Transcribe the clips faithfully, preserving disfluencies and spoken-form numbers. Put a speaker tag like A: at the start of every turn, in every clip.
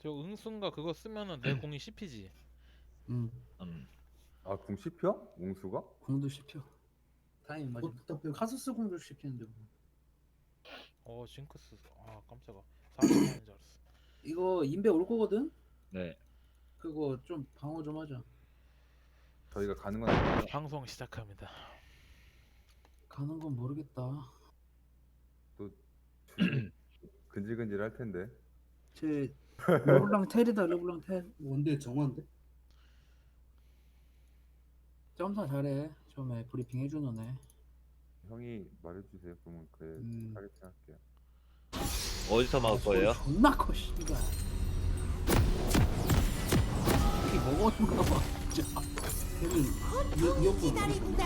A: 저 응순가 그거 쓰면은 내 공이 씹히지.
B: 응.
C: 음.
D: 아, 궁 씹혀? 웅수가?
B: 공도 씹혀. 다행히 맞아. 카스스 공도 씹히는데 뭐.
A: 어 징크스. 아 깜짝아. 사십 만인 줄 알았어.
B: 이거 인베 올 거거든?
C: 네.
B: 그거 좀 방어 좀 하자.
D: 저희가 가는 건 아니고.
A: 방송 시작합니다.
B: 가는 건 모르겠다.
D: 근질근질 할 텐데.
B: 제 르블랑 텔이다 르블랑 텔.
E: 원딜 정화인데?
B: 점사 잘해. 처음에 브리핑 해주는 애.
D: 형이 말해주세요. 그러면 그래
B: 음.
D: 타겟팅 할게요.
C: 어디서 막을 거예요?
B: 소리 존나 커 씨발. 이게 먹었는가 봐 진짜.
E: 걔는 이어폰
F: 기다린다.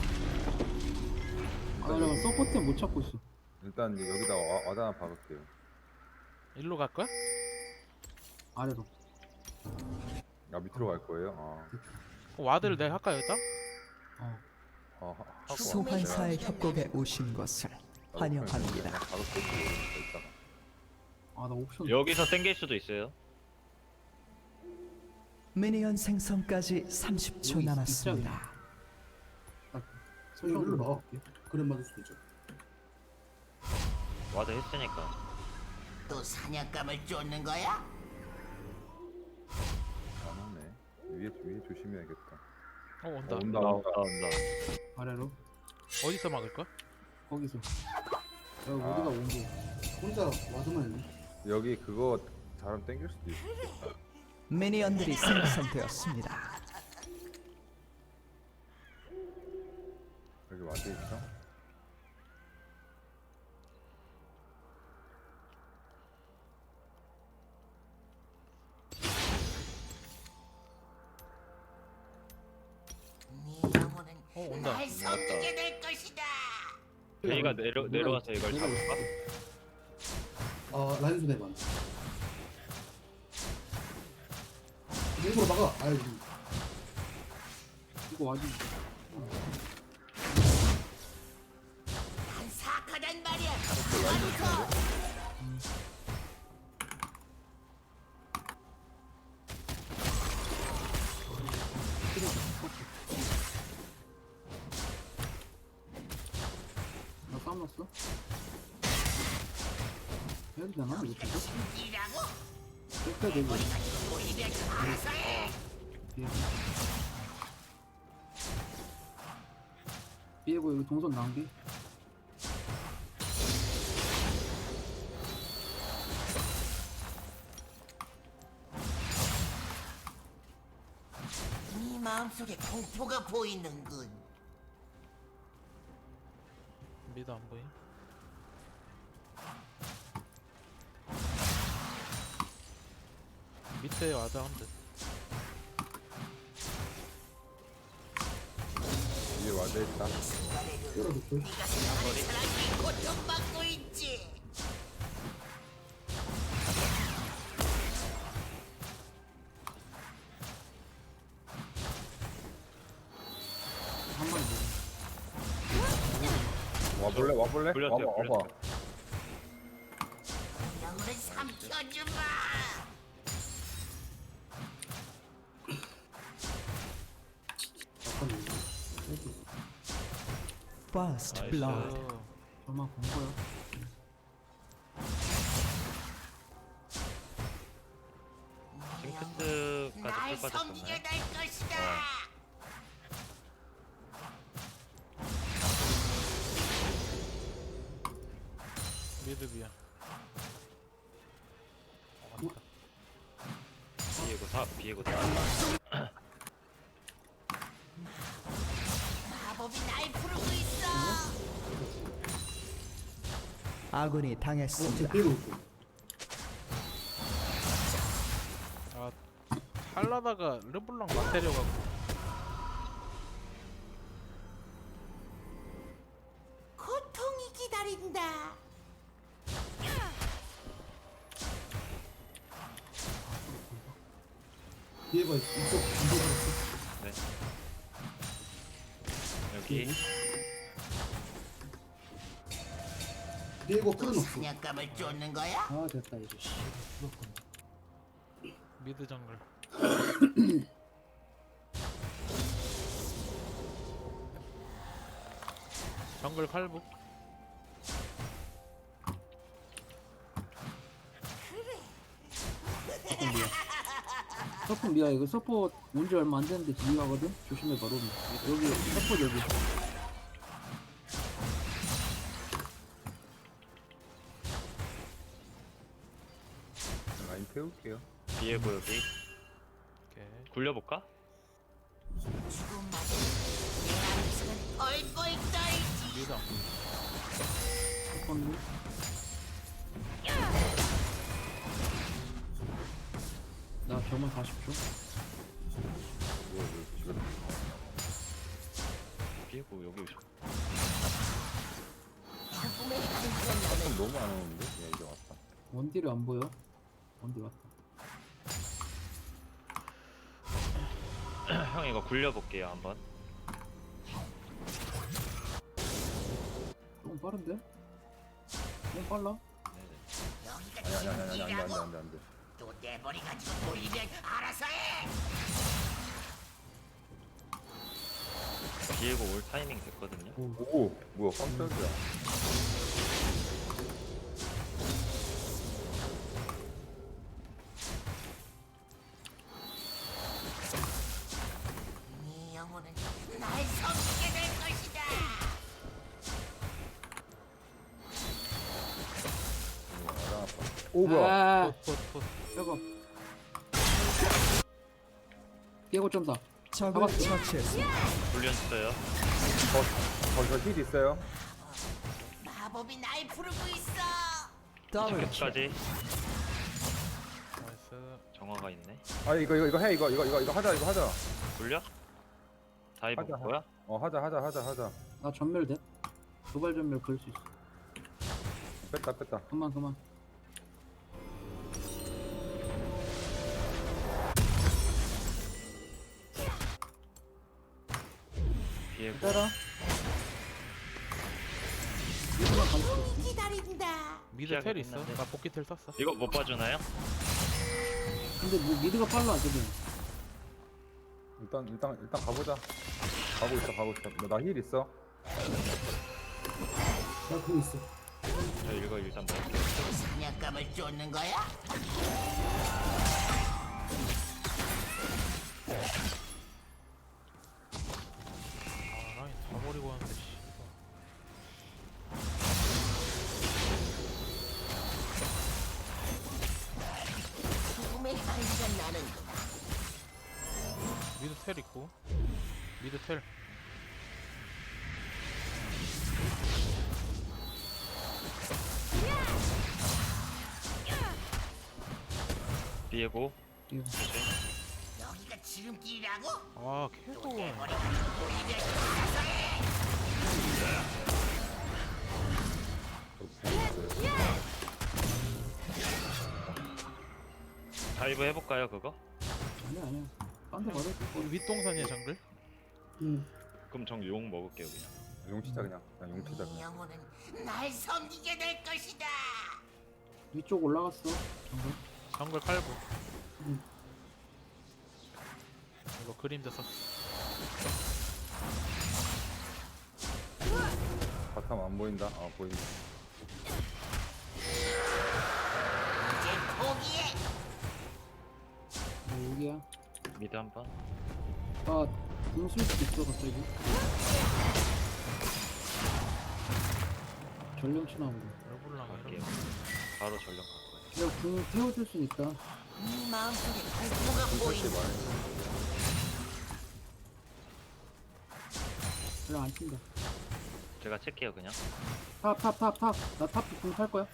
B: 아 나 서포트 못 찾고 있어.
D: 일단 여기다 와, 와드 하나 박을게요.
A: 일로 갈 거야?
B: 아래로.
D: 아, 밑으로 갈 거예요? 아,
A: 그 와드를 내가 할까 여기다?
B: 어.
D: 아 하- 하고
F: 소환사의
D: 내가
F: 협곡에 오신 것을
D: 나도
F: 환영합니다.
D: 그냥 박을게요. 이따가.
B: 아 나 옵션.
C: 여기서 땡길 수도 있어요.
F: 미니언 생성까지 삼십 초
B: 여기
F: 남았습니다.
E: 설명 일로 나갈게. 그래 맞을 수도 있죠.
C: 와드 했으니까.
G: 또 사냥감을 쫓는 거야?
D: 안 오네. 위에 위에 조심해야겠다.
A: 어
D: 어,
A: 온다.
D: 온다
C: 온다
D: 온다.
C: 온다.
B: 아래로.
A: 어디서 막을 거야?
B: 거기서. 여기
D: 아.
B: 우리가 온 게.
E: 혼자 와드만 있네.
D: 여기 그거 잘하면 땡길 수도 있어.
F: 미니언들이 생성되었습니다.
D: 여기 와드 있어?
G: 네 영혼은
A: 어, 온다.
G: 날 섬기게 될 것이다.
C: 저희가 내려 내려가서 이걸 잡을까?
E: 아 라인 손해만. 일부러 막아. 아유.
B: 이거 와지.
G: 난 사악하단 말이야.
B: 나 싸움 났어? 해도 되나? 이거 진짜?
G: 이라고?
B: 뺄까 되고.
G: 오히려 알아서 해.
B: 삐고 여기 동선 낭비.
G: 네 마음속에 공포가 보이는군.
A: 미드 안 보임? 밑에 와드 한 듯.
D: 위에 와드 있다.
E: 열어놓고.
G: 네가 생각하는 사람이 고통받고 있지.
B: 한 마리 먹어.
D: 와볼래? 와볼래?
C: 불렸어요,
D: 와봐 와봐.
G: 영혼을 삼켜주마.
E: 잠깐만.
F: First
C: 나이스.
F: blood.
A: 어,
B: 저만 본 거야.
C: 징크스까지
G: 날
C: 풀
G: 섬기게
C: 빠졌었나요?
G: 될 것이다.
A: 미드 미야.
C: 비에고 사 비에고 사.
G: 마법이 날 부르고 있어.
F: 아군이
E: 어,
F: 당했습니다.
E: 쟤 빼고 있고.
A: 아 할라다가 르블랑 막 때려갖고.
G: 고통이 기다린다.
E: 얘가 이쪽 이쪽
C: 네. 여기
E: 얘가
G: 또
E: 풀어놓고.
G: 사냥감을 쫓는 거야?
B: 아 됐다 이제. 씨. 그렇군.
A: 미드 정글. 정글 칼부.
B: 서폰 미야. 서폰 미야 이거 서포 온지 얼마 안 됐는데 진입하거든. 조심해 바로. 여기 서포 여기.
D: 라인 태울게요.
C: 비에고 여기.
A: 오케이.
C: 굴려볼까?
G: 죽음 맞은 내 암승은 펄펄 떨지.
A: 미드 안 보여.
B: 서폰 미. 나 병원 사십 초.
D: 이거 이거 지금
C: 비에고 여기 오셔.
G: 죽음의 한편 나는
D: 좀 너무 안 오는데? 야 이제 왔다.
B: 원딜이 안 보여. 원딜 왔다.
C: 형 이거 굴려볼게요 한번.
B: 너무 빠른데? 너무 빨라.
G: 여기가
D: 아니 아니 아니 아니 안돼 안돼
G: 지옥이라고.
D: 안돼 안돼.
G: 또 내버리 가지고 돌리면 알아서 해.
C: 비에고 올 타이밍 됐거든요.
D: 오 뭐야 깜짝이야.
G: 네 영혼은 날 섬기게 될 것이다.
D: 오, 나랑 아파. 오 뭐야?
B: 아,
A: 폿폿폿.
B: 저거. 깨고 점사.
F: 적을
B: 잡았어.
F: 처치했습니다.
C: 굴렸어요.
D: 저저힐 있어요?
G: 마법이 날 부르고 있어.
F: 더블 킬.
C: 끝까지
A: 나이스.
C: 정화가 있네.
D: 아 이거 이거 이거 해 이거 이거 이거 이거 하자 이거 하자.
C: 굴려? 다이브
D: 하자,
C: 뭐야?
D: 어 하자 하자 하자 하자.
B: 나 전멸 돼? 도발 전멸 걸 수 있어.
D: 뺐다 뺐다.
B: 그만 그만.
C: 비에고.
B: 따라. 이거만 갈 수 있어.
G: 기다린다.
A: 미드 텔 있어.
C: 시작했는데.
A: 나 복귀 텔 썼어.
C: 이거 못 봐주나요?
B: 근데 뭐 미드가 빨라 지금.
D: 일단 일단 일단 가보자. 가고 있어 가고 있어. 나 힐 있어.
E: 나 그거 있어.
C: 저 이거 일단 먹을게요.
G: 사냥감을 쫓는 거야?
A: 아 라인 다 버리고 왔는데 씨.
G: 죽음의 한편 나는
A: 미드 텔 있고. 미드 텔.
C: 비에고.
B: 이거.
G: 여기가 지름길이라고?
A: 아
G: 또
A: 캐고.
G: 내버리 가지고 돌리면 알아서 해.
C: 다이브 해볼까요 그거?
B: 아니야 아니야. 딴데 가자.
A: 우리 윗동산이야 정글.
E: 응.
C: 그럼 정 용 먹을게요 그냥.
D: 용 치자 그냥. 그냥 용 치자
G: 네
D: 그냥.
G: 영혼은 날 섬기게 될 것이다.
B: 위쪽 올라갔어. 정글.
A: 정글 칼부.
B: 응.
A: 이거 그림자 썼어.
D: 바텀 안 보인다. 아 보인다.
G: 이제 포기해.
B: 뭐 여기야.
C: 미드 한번.
B: 아, 궁쓸 수도 있어 갑자기. 전령치 나온 거.
A: 얼굴랑
C: 갈게요.
A: 이런.
C: 바로 전령 갈 거예요.
B: 내가 궁 태워줄 수 있다.
G: 네 마음속에 공포가
D: 솔직히
G: 보인다.
D: 말해.
B: 전령 안 친다.
C: 제가 칠게요 그냥.
B: 탑, 탑, 탑, 탑. 나탑궁탈 거야.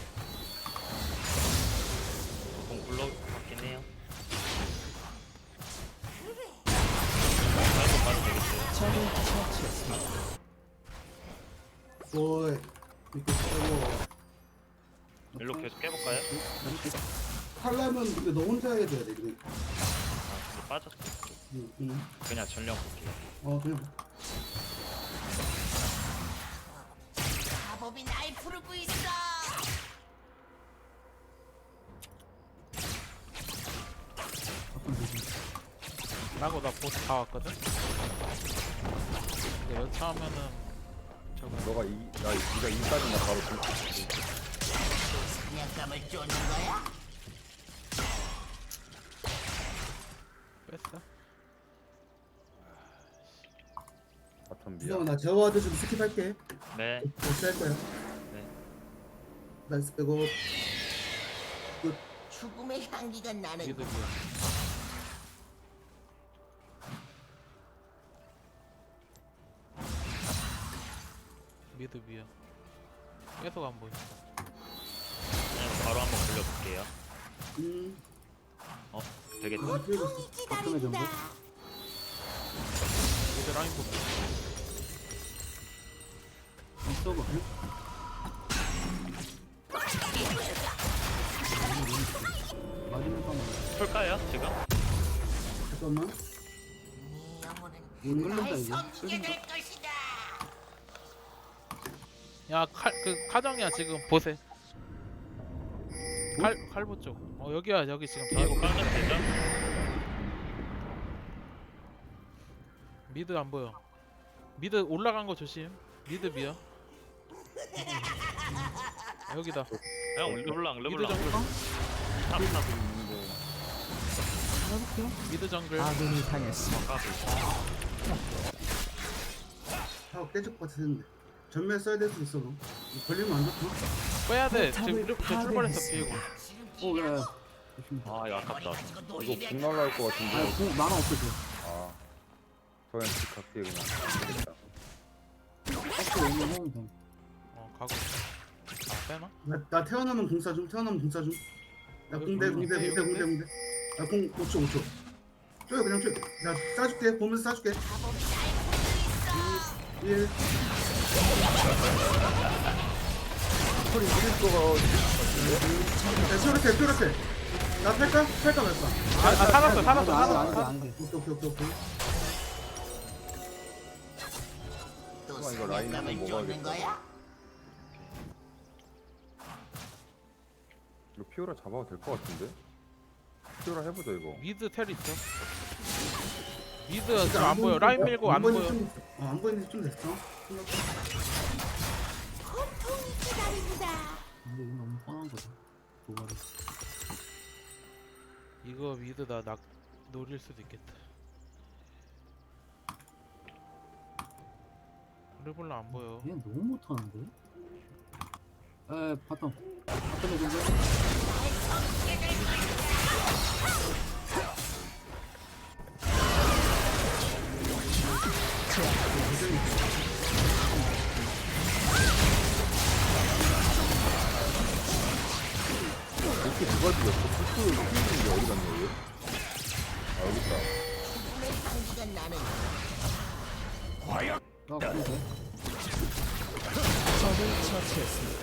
C: 공 굴러 갔긴 해요. 다이브 가도 되겠어요.
F: 적을 처치했습니다.
E: 오이. 이거 빼고.
C: 일로 계속 깨볼까요?
B: 잠시.
E: 하려면 근데 너 혼자 해야 돼. 그래.
C: 아 근데 빠졌어.
E: 응, 응.
C: 그냥 전령 볼게요.
E: 어 그냥.
G: 마법이 날 부르고 있어.
A: 라고 나 보스 다 왔거든. 근데 여차하면은 저거
D: 너가 이, 나 네가 이까지 나 바로 줄.
G: 사냥감을 쫓는 거야?
A: 뺐어.
D: 바텀
E: 수성아
D: 미야.
E: 나 저와드 좀 스킵할게.
C: 네.
E: 다시 할 거야.
C: 네.
E: 나이스 빼고.
G: 죽음의 향기가 나는
A: 미드 미야. 미드 미야. 계속 안 보인다.
C: 그냥 바로 한번 돌려볼게요.
E: 음.
C: 되겠다.
E: 아, 뛰어갔어.
B: 바텀의 정보.
A: 미드 라인 보고.
B: 서버. 마지막 한
C: 풀까요 지금?
E: 잠깐만.
G: 네 영혼은
B: 못 눌른다
G: 날
B: 이제.
G: 섬기게 될 것이다.
A: 야칼그 카정이야 지금 보세. 칼 칼보 쪽. 어 여기야 여기 지금
C: 이거
A: 비에고
C: 깔면 되죠?
A: 미드 안 보여. 미드 올라간 거 조심. 미드 미야. 여기다.
C: 형 르블랑
A: 미드
C: 르블랑
A: 정글.
C: 탑탑
B: 해볼게요.
A: 미드 정글.
F: 아군이 당했습니다.
C: 까비.
E: 하고 깨질 것 같았는데. 전멸 써야 될 수 있어 너. 이거 걸리면 안 좋다.
A: 빼야 돼.
F: 탑을
A: 지금 저 출발해서
F: 파괴했습니다.
A: 비에고.
B: 오, 야, 야. 조심.
C: 아 이거 아깝다.
D: 이거 공 날라올 것
B: 아,
D: 같은데.
B: 공 만화 없어져.
D: 아. 저는 집 갈게 그냥. 되겠다.
B: 박스 오면 하면 돼.
A: 어 가고. 있어. 아 빼나?
E: 나, 나 태어나면 공사 좀. 태어나면 공사 좀. 나 공대
A: 여기,
E: 공대
A: 여기,
E: 공대
A: 여기,
E: 공대 공대. 나공 오 초 오 초. 쪼여 그냥 쪼여. 나 쏴줄게. 보면서 쏴줄게. 일.
D: 소리 지를 거가
E: 야, 쪼렇게 쪼렇게. 나 탈까? 탈까 말까?
A: 아, 아 살았어 살았어
B: 안 돼, 안 돼,
A: 살았어.
B: 안 돼.
E: 오케이 오케이 오케이 오케이.
G: 또
D: 이거 라인
G: 사냥감을
D: 한번
G: 쫓는
D: 먹어야겠다.
G: 거야?
D: 이거 피오라 잡아도 될 것 같은데? 피오라 해보자 이거.
A: 미드 텔 있어. 미드 지금 안 보여. 라인 밀고 안 보여.
E: 좀, 어, 안 보이는 지좀 됐어.
G: 고통이 기다린다.
B: 근데 이거 너무 뻔한 거다. 도발이.
A: 이거 미드 나 낙 노릴 수도 있겠다. 르블라 안 보여.
B: 얘 너무 못하는데? 에, 바텀. 바텀의 정보.
D: 이렇게 누가 죽였어? 풀스 피우는 게 어디 갔냐 얘? 아 여기 있다.
G: 죽음의 향기가 나는
B: 나 근데.
F: 적을 처치했습니다.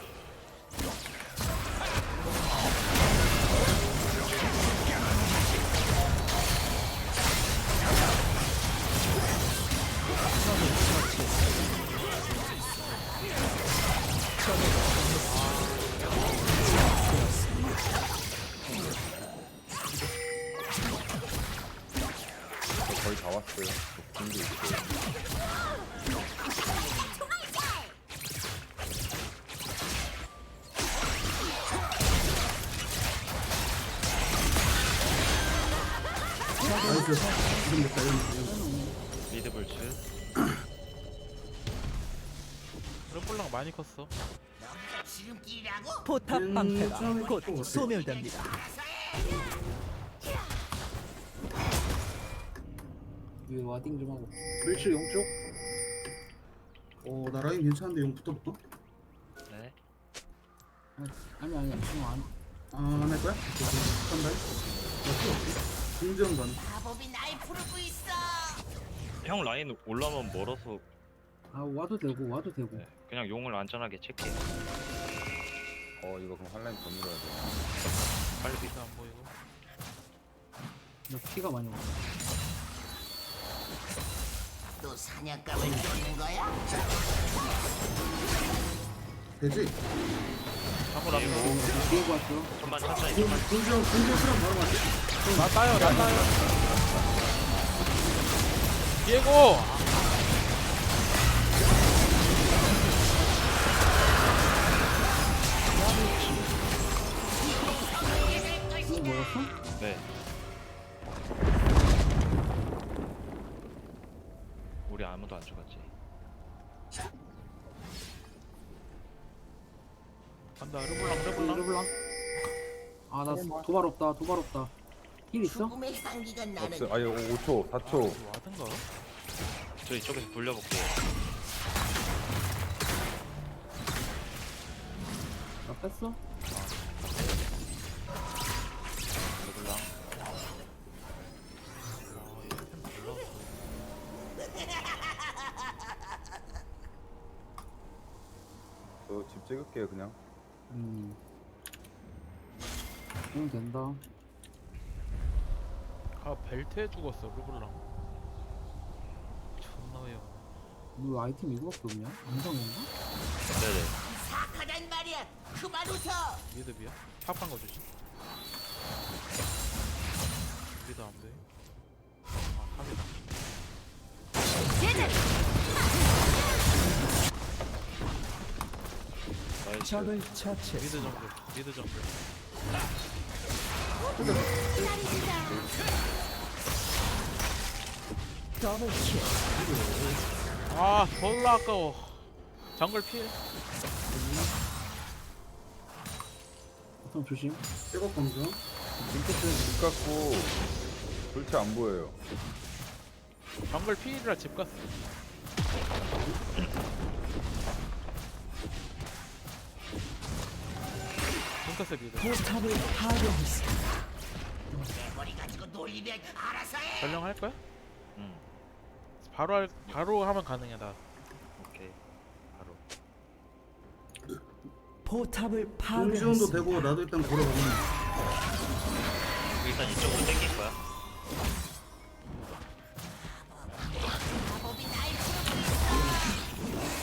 D: 저 거의 다 왔어요. 저 공도 있어요.
E: 나이스. 지금 됐다. 이런 거, 이런 거.
C: 미드 불츠.
A: 르블랑 많이 컸어.
G: 지름길이라고?
F: 포탑
E: 음,
F: 방패가
E: 좀
F: 곧
E: 있고.
F: 소멸됩니다.
B: 위에 와딩 좀 하고.
E: 멸치 용쪽. 오, 나 라인 괜찮은데 용 붙어볼까?
C: 네.
B: 아니, 아니, 지금 안.
E: 아, 안 할 거야? 오케이, 오케이. 간다. 나 필요 없지. 공정 가는.
G: 마법이 날 부르고 있어.
C: 형 라인 올라오면 멀어서
B: 아, 와도 되고, 와도 되고.
C: 네, 그냥 용을 안전하게 체크해.
D: 어 이거 그럼 한라인 더 밀어야 돼.
C: 빨리
A: 미드 안 보이고.
B: 나 피가 많이 와.
G: 또 사냥감을 쫓는 거야?
E: 되지?
A: 방울 안 보고.
B: 비에고 왔어.
C: 좀만 천천히
E: 공,
C: 좀만.
E: 공정, 공정 수랑 바로 맞지?
A: 나 따요 나 따요. 비에고.
B: 이거 먹었어?
C: 네. 우리 아무도 안 죽었지.
A: 간다. 르블랑 르블랑.
B: 르블랑. 아 나 도발 없다 도발 없다. 힐 있어?
G: 죽음의 향기가 나는
D: 없어. 아니 오 초, 사 초.
A: 아, 와든가?
C: 저 이쪽에서 굴려볼게요.
B: 나 뺐어?
C: 르블랑.
D: 저 집 찍을게요 그냥.
B: 음. 응 된다.
A: 아 벨트에 죽었어 르블랑. 존나 왜요?
B: 너 아이템 이거밖에 없냐? 안성인가?
C: 네네.
G: 사악하단 말이야. 그만 웃어.
A: 미드비야? 탑한 거 주지. 미드 안 돼. 아 탑이다.
C: 나이스.
F: 적을
A: 미드
F: 처치했습니다.
A: 정글. 미드 정글.
F: 더블킬.
A: 아 졸라 아까워. 정글 필.
B: 보통 조심.
E: 백업 검수.
D: 링크스는 집 갔고 돌체 안 보여요.
A: 정글 필이라 집 갔어. 징크스 미드.
F: 포탑을 파괴했습니다.
G: 내 머리 가지고 놀리면 알아서 해.
A: 전령 할 거야?
C: 응.
A: 바로 할 바로 하면 가능해 나.
C: 오케이. 바로.
F: 포탑을
E: 공지원도
F: 파괴했습니다.
E: 되고 나도 일단 걸어보면.
C: 일단 이쪽으로 땡길 거야.
G: 마법이 날 부르고 있어.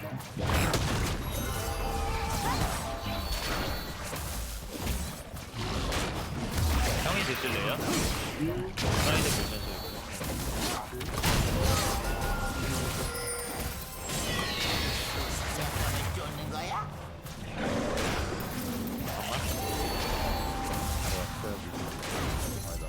C: 형이 드실래요? 사이드 보면서 이거.
G: 쫓는 거야?
D: 아니다.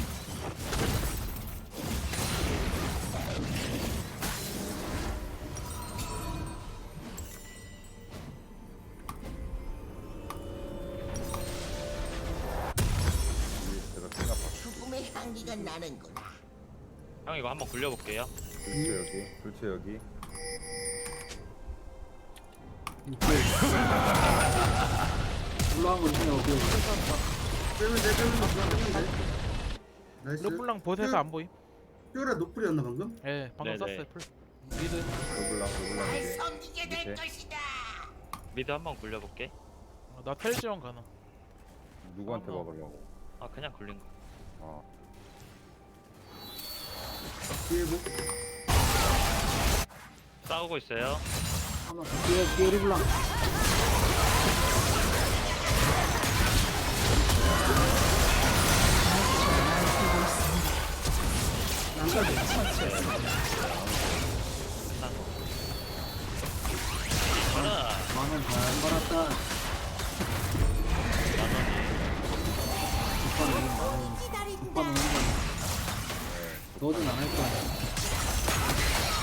D: 이게 제가 생각 봤
G: 죽음의 향기가 나는구나.
C: 형 이거 한번 굴려볼게요.
D: 돌체 여기, 돌체 여기.
B: 올라간 거 있으면 어디?
E: 빼면 돼, 빼면 돼, 빼면 돼. 나이스.
A: 르블랑 보세서 안 보임?
E: 뾰라 노플이었나 방금?
A: 예 방금
C: 네네.
A: 썼어요 풀. 미드.
D: 르블랑, 르블랑
G: 날
D: 이게.
G: 섬기게 될
D: 밑에.
G: 것이다.
C: 미드 한번 굴려볼게.
A: 어, 나 텔지원 가능.
D: 누구한테
A: 어머.
D: 막으려고?
C: 아 그냥 굴린 거.
D: 아,
E: 뒤에 뭐?
C: 싸우고 있어요.
B: 하나 뒤에 뒤에 르블랑.
C: 가라.
B: 만원 잘 벌었다. 오빠는 만원. 오빠는 한 번. 너는 안 할 거야.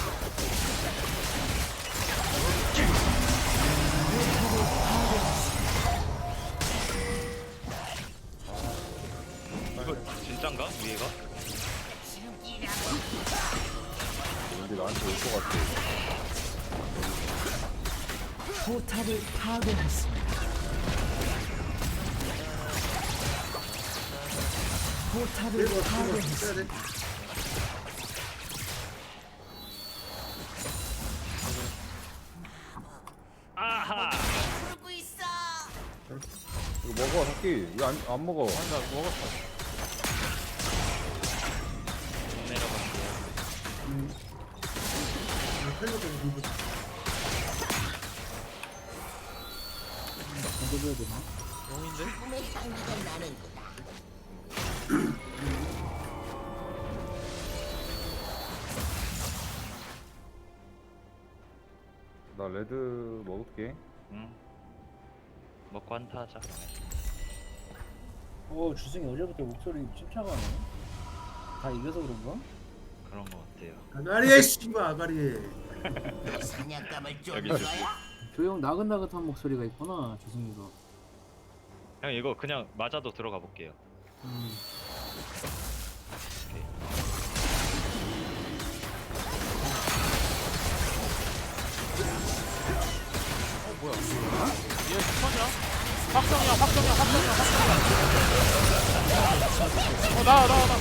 C: 이거 진짠가? 위에가?
D: 왠지 나한테 올 것 같아.
F: 포탑을 파괴했습니다. 포탑을
E: 빼고 빼고
F: 파괴했습니다.
E: 빼야 돼.
C: 아하.
G: 부르고 있어.
D: 이거 먹어, 새끼. 이거 안, 안 먹어.
A: 아니 나 먹었어.
C: 내려갈게요.
E: 음. 아, 텔레도 공부.
B: 던져줘야 되나?
A: 용인데?
G: 죽음의 향기가 나는구나.
D: 레드 먹을게.
C: 응. 먹고 한타 하자.
B: 어 주승이 어제부터 목소리 침착하네. 다 이겨서 그런가?
C: 그런 거 같아요.
E: 아가리에 씨발 아가리에.
G: 사냥감을 쫓는
C: 여기
G: 거야?
B: 조용 나긋나긋한 목소리가 있구나 주승이가.
C: 형 이거 그냥 맞아도 들어가 볼게요.
B: 음.
A: 어 뭐야? 얘 스턴이야? 확정이야 확정이야 확정이야 확정이야. 어 나와 나와 나.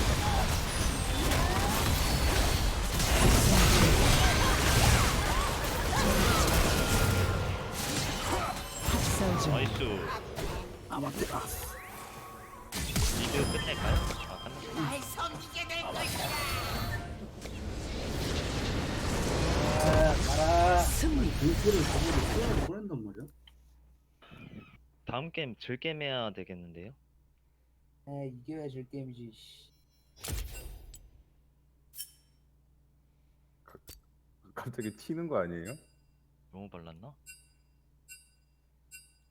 F: 학살 중.
C: 나이스.
B: 아 맞다.
C: 리드 끝낼까요? 아 끝났어.
G: 날 섬기게 될 것이다.
F: 승리.
E: 불길을 저거를 쏘아서 보낸단 말이야.
C: 다음 게임 질 게임 해야 되겠는데요?
B: 아 이겨야 질 게임이지.
D: 갑자기 튀는 거 아니에요?
C: 너무 발랐나?